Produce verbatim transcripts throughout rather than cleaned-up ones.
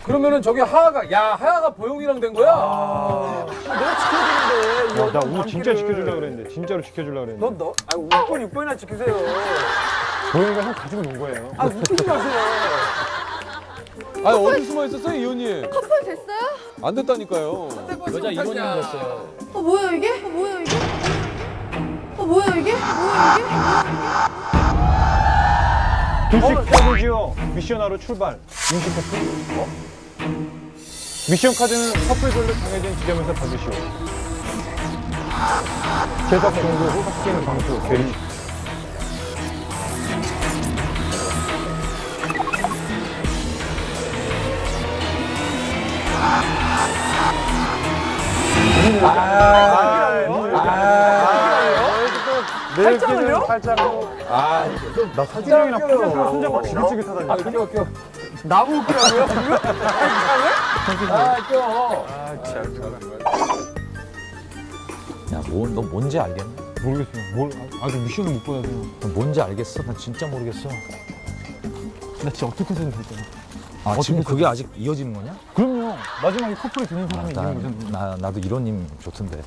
그러면은 저기 하하가 야 하하가 보영이랑 된 거야? 아, 내가 지켜야 되는데. 어, 나 오늘 진짜 지켜주려고 그랬는데 진짜로 지켜주려고 그랬는데. 너, 너, 아, 육 번, 육 번이나 지키세요. 보영이가 형 가지고 논 거예요. 아, 웃기지 마세요. 아니 어디 숨어 있었어요 이호님? 커플 됐어요? 안 됐다니까요. 여자 이호님 됐어요. 어 뭐야 이게? 어 뭐야 이게? 어 뭐야 이게? 뭐야 이게? 둘씩 카드지요. 미션하러 출발. 임시 커플. 어? 미션 카드는 커플별로 정해진 지점에서 받으시오. 제작 정보 후 확진 방수 대리. 팔짱을요? 팔짱으로. 아, 나 사진이랑 팔짱 손잡고 지긋지긋하다니까. 아 껴, 껴. 나무 웃기라고요? 아, 껴. 야, 뭐, 너 뭔지 알겠니? 모르겠어요. 뭘 아직 미션을 못 받아서. 너 뭔지 알겠어? 나 진짜 모르겠어. 나 진짜 어떻게 해서든 될 거야. 아, 지금 그게 아직 이어지는 거냐? 그럼요. 마지막에 커플이 되는 사람이 나, 있는 거잖아. 나, 나도 이런 님 좋던데.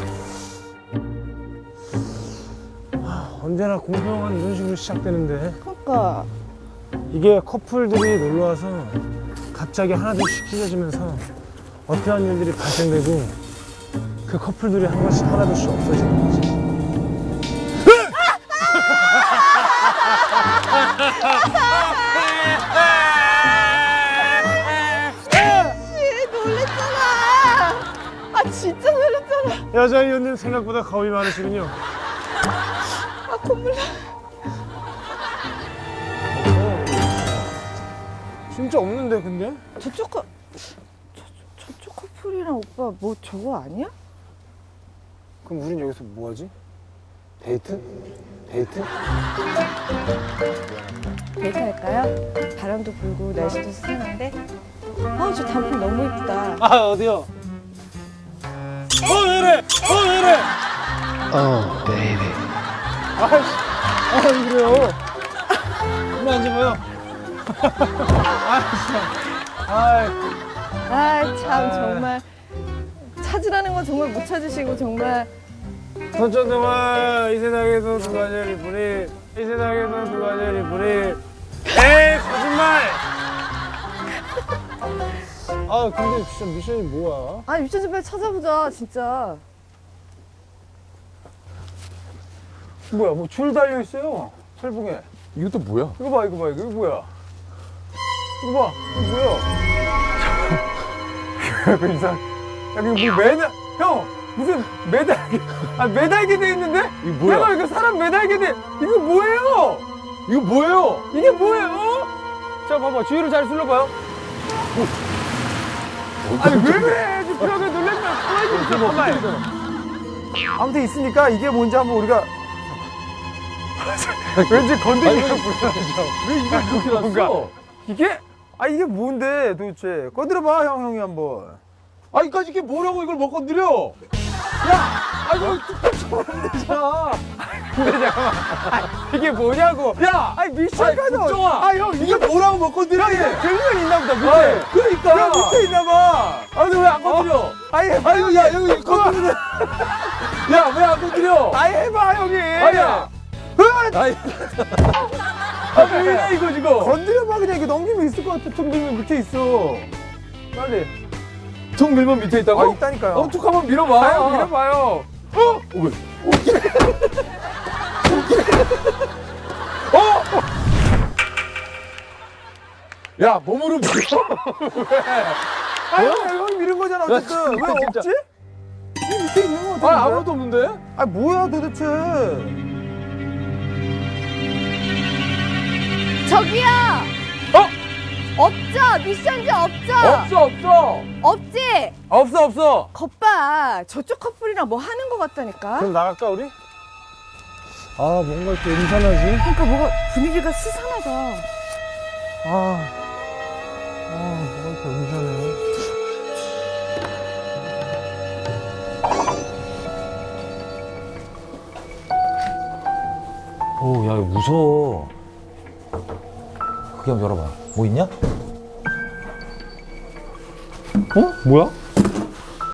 언제나 공평한 이런 식으로 시작되는데 그러니까 이게 커플들이 놀러 와서 갑자기 하나둘씩 찢어지면서 어떠한 일들이 발생되고 그 커플들이 한 번씩 하나둘씩 없어지는 거지. 놀랬잖아. 아 진짜 놀랬잖아. 여자이언님 생각보다 겁이 많으시군요. 아 콧물 나. 진짜 없는데 근데? 저쪽 커 저, 저쪽 커플이랑 오빠 뭐 저거 아니야? 그럼 우린 여기서 뭐하지? 데이트? 데이트? 데이트 할까요? 바람도 불고 날씨도 수상한데. 아우 저 단풍 너무 이쁘다. 아 어디요? 어 왜래? 어 왜래? Oh, baby. 아이씨, 아 그래요? 이리 앉아봐요. 아이, 아 참 정말 찾으라는 건 정말 못 찾으시고 정말. 선천 동안 이 세상에서 누가 제일 이쁘니? 이 세상에서 누가 제일 이쁘니? 에이 거짓말! 아 근데 진짜 미션이 뭐야? 아 미션 좀 빨리 찾아보자 진짜. 뭐야, 뭐 줄 달려 있어요. 철봉에. 이것도 뭐야? 이거 봐, 이거 봐, 이거, 이거 뭐야? 이거 봐, 이거 뭐야? 그 이상. 야, 이거 뭐 매달, 형! 무슨 매달게, 아, 매달게 돼 있는데? 이거 뭐야? 내가 이거 사람 매달게 돼. 이거 뭐예요? 이거 뭐예요? 이게 뭐예요? 자, 봐봐. 주위를 잘 둘러봐요. 아니, 왜 그래? 지금 벽에 놀랬면 가만히 좀 있어, 가만히. 아무튼 있으니까 이게 뭔지 한번 우리가. 왠지 건드리기가 불편하죠. 왜 이걸 그렇게 뭔가. 놨어? 이게? 아, 이게 뭔데 도대체? 건드려봐, 형, 형이 한번. 아, 이까지 이게 뭐라고 이걸 못 건드려? 야! 아, 이거 뚝뚝 쳐면 되잖아. 근데 잠깐만. 아, 이게 뭐냐고. 야! 아니, 미션 아니, 가져. 국정아! 아, 형, 이게 이게 뭐라고 못 건드려? 형, 이거 들면 있나 보다, 밑에. 아이, 그러니까. 형, 밑에 있나 봐. 아, 근데 왜 안 건드려? 아니, 해봐. 아이고, 야, 여기 건드리네. 야, 왜 안 건드려? 아니, 해봐, 형이. 아니야. 아이. 아, 뭐야, 이거 지금. 건드려봐, 그냥 이게 넘기면 있을 것 같아. 툭 밀면 밑에 있어. 빨리. 툭 밀면 밑에 있다고? 아, 있다니까요. 어, 툭 한번 밀어봐. 아, 형, 밀어봐요. 어? 왜? 어? 야, 몸으로 밀어. 아, 형, 형이 밀은 거잖아, 어쨌든. 왜 진짜. 없지? 이 밑에 있는 거 같은데? 아, 아무것도 없는데? 아, 뭐야, 도대체. 저기요. 어? 없죠? 미션지 없죠? 없어, 없어. 없지? 없어, 없어. 겉봐 저쪽 커플이랑 뭐 하는 거 같다니까. 그럼 나갈까 우리? 아 뭔가 이렇게 음산하지? 그러니까 뭐가 분위기가 스산하다. 아, 아 뭐가 이렇게 음산해? 오, 야, 이거 무서워. 크게 한번 열어봐. 뭐 있냐? 어? 뭐야?